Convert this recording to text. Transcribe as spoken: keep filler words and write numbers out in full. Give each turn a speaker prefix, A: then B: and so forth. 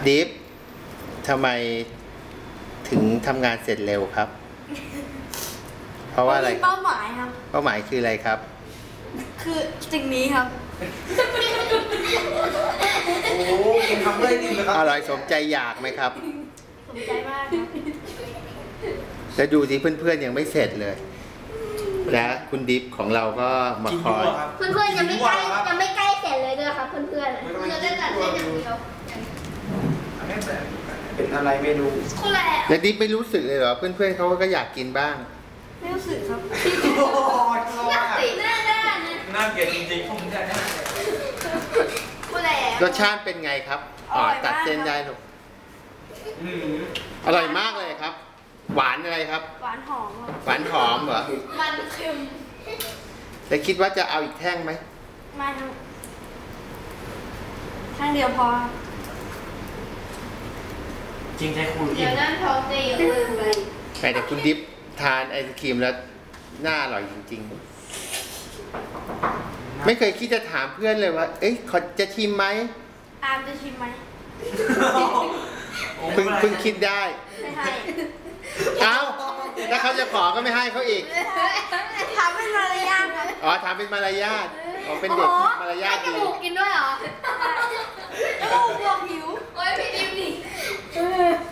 A: ดิฟทำไมถึงทำงานเสร็จเร็วครับเพราะว่าอะไร
B: เป้าหมายครับ
A: เป้าหมายคืออะไรครับ
B: คือสิ่งนี้ครับ
C: โอ้กินทำได้ดีเลยครับ
A: อร่อยสมใจอยากไหมครับ
B: สมใจมากครับ
A: แล้วดูสิเพื่อนๆยังไม่เสร็จเลยและคุณดิฟของเราก็มาคอย
D: เพื่อนๆยังไม่ใกล้ยังไม่ใกล้เสร็จเลยด้วยครับเพื่อนๆเพื่อนๆได้แต่เล่นอย่างเดียว
C: เป็นอะไรเมนู
D: คนละ
A: แล้วดิฟไม่รู้สึกเลยเหรอเพื่อนๆเขาก็อยากกินบ้าง
B: ไม่รู้สึกครับ
D: น่าตีหน้าด้านนะ
C: น่าเกลียดจริงๆผมจะได้
D: คนละ
A: รสชาติเป็นไงครับอ๋อตัดเส้นได้หรออร่อยมากเลยครับหวานอะไรครับ
B: หวานหอม
A: หวานหอมเหรอ
D: มันเค็ม
A: แต่คิดว่าจะเอาอีกแท่งไหม
B: ไม่ครับแท่งเดียวพอ
C: จริงใช่คุณ
D: เดี๋ยวนั่นท้องจะอยู่เลย
A: ไปแต่คุณดิฟทานไอศครีมแล้วน่าอร่อยจริงๆไม่เคยคิดจะถามเพื่อนเลยว่าเอ๊ะเขาจะชิมไหม
B: อามจะชิมไหม
A: เพิ่งเพิ่งคิดได้
B: ไม่ให้
A: เอ้าถ้าเขาจะขอก็ไม่ให้เขาอีก
B: ทำเป็นมารยาทครับ
A: อ๋อทำเป็นมารยาทอ๋อเป็นเด็กมารยาทดี
D: ให้จมูกกินด้วยเหรอ
B: โอ้บวกหิว
D: โอ้ยพี่ดิมดิ